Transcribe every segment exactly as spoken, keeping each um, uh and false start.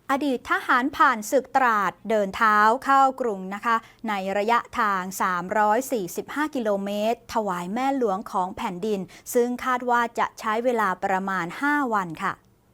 อดีตทหารผ่านศึกตราดเดินเท้าเข้ากรุงนะคะในระยะทาง สามร้อยสี่สิบห้า กิโลเมตร ถวายแม่หลวงของแผ่นดิน ซึ่งคาดว่าจะใช้เวลาประมาณ ห้า วันค่ะ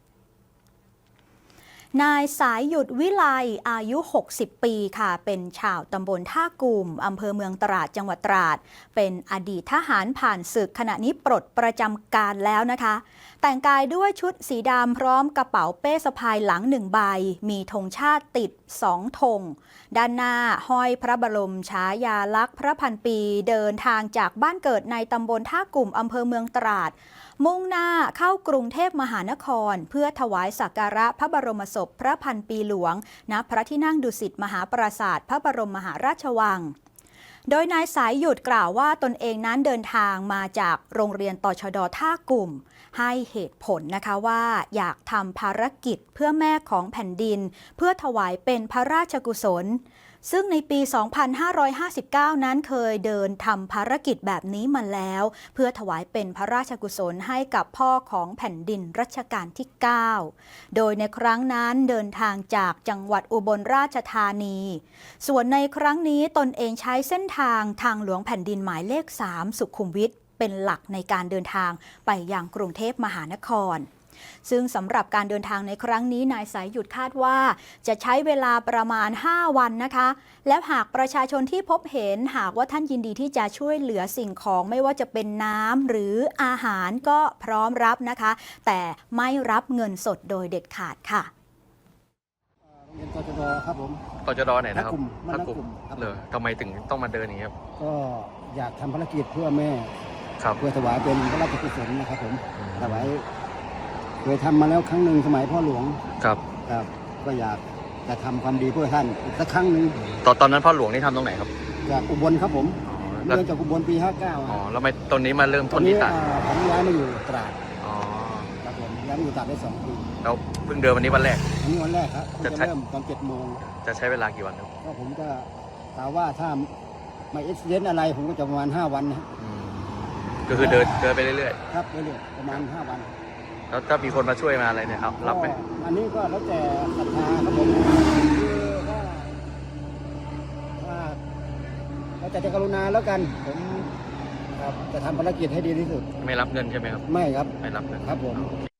นายสายหยุดวิไลอายุ หกสิบ ปีค่ะ เป็นชาวตำบลท่ากุ่มอำเภอเมืองตราดจังหวัดตราด เป็นอดีตทหารผ่านศึกขณะนี้ปลดประจำการแล้วนะคะ แต่งกายด้วยชุดสีดำพร้อมกระเป๋าเป้สะพายหลังหนึ่งใบ มีธงชาติติดสองธง ด้านหน้าห้อยพระบรมฉายาลักษณ์พระพันปีเดินทางจากบ้านเกิดในตำบลท่ากุ่มอำเภอเมืองตราด มุ่งหน้าเข้ากรุงเทพมหานครเพื่อถวายสักการะพระบรมศพพระพันปีหลวงณพระที่นั่งดุสิตมหาปราสาทพระบรมมหาราชวัง โดยนายสายหยุดกล่าวว่าตนเองนั้นเดินทางมาจากโรงเรียนตชด.ท่ากุ่มให้เหตุผลนะคะว่าอยากทำภารกิจเพื่อแม่ของแผ่นดินเพื่อถวายเป็นพระราชกุศลซึ่งในปี สองพันห้าร้อยห้าสิบเก้า นั้นเคยเดินทำภารกิจแบบนี้มาแล้วเพื่อถวายเป็นพระราชกุศลให้กับพ่อของแผ่นดินรัชกาลที่ เก้า โดยในครั้งนั้นเดินทางจากจังหวัดอุบลราชธานีส่วนในครั้งนี้ตนเองใช้เส้นทางทางหลวงแผ่นดินหมายเลข สาม สุขุมวิทเป็นหลักในการเดินทางไปยังกรุงเทพมหานครซึ่งสำหรับการเดินทางในครั้งนี้นายสายหยุดคาดว่าจะใช้เวลาประมาณ ห้า วันนะคะแล้วหากประชาชนที่พบเห็นหากว่าท่านยินดีที่จะช่วยเหลือสิ่งของไม่ว่าจะเป็นน้ำหรืออาหารก็พร้อมรับนะคะแต่ไม่รับเงินสดโดยเด็ดขาดค่ะโรงเรียนตชด.ครับผมตชด.ไหนนะครับท่ากลุ่มเลยทำไมถึงต้องมาเดินอย่างนี้ครับก็อยากทำภารกิจเพื่อแม่ครับเพื่อถวายเป็นพระราชกุศลนะครับผมถวายเคยทำมาแล้วครั้งหนึ่งสมัยพ่อหลวงครับครับก็อยากจะทำความดีเพื่อท่านอีกสักครั้งหนึ่งตอนตอนนั้นพ่อหลวงนี่ทำตรงไหนครับจากอุบลครับผมเริ่มจากอุบลปีห้าเก้าอ๋อแล้วไม่ตอนนี้มาเริ่มต้นที่ตราดผมย้ายมาอยู่ตราดอ๋อครับผมย้ายมาอยู่ตราดได้สองปีแล้วเพิ่งเดินวันนี้วันแรกวันนี้วันแรกครับจะเริ่มตอนเจ็ดโมงจะใช้เวลากี่วันครับก็ผมก็กล่าวว่าถ้าไม่เอ็กซิเดนต์อะไรผมก็จะประมาณห้าวันนะก็คือเดินเดินไปเรื่อยๆครับเรื่อยๆประมาณห้าวันแล้วถ้ามีคนมาช่วยมาอะไรเนี่ยครับรับไหมอันนี้ก็แล้วแต่ศรัทธาครับผมคือว่าถ้าเราจะจะกรุณาแล้วกันผมครับจะทำภารกิจให้ดีที่สุดไม่รับเงินใช่ไหมครับไม่ครับไม่รับเงินครับผม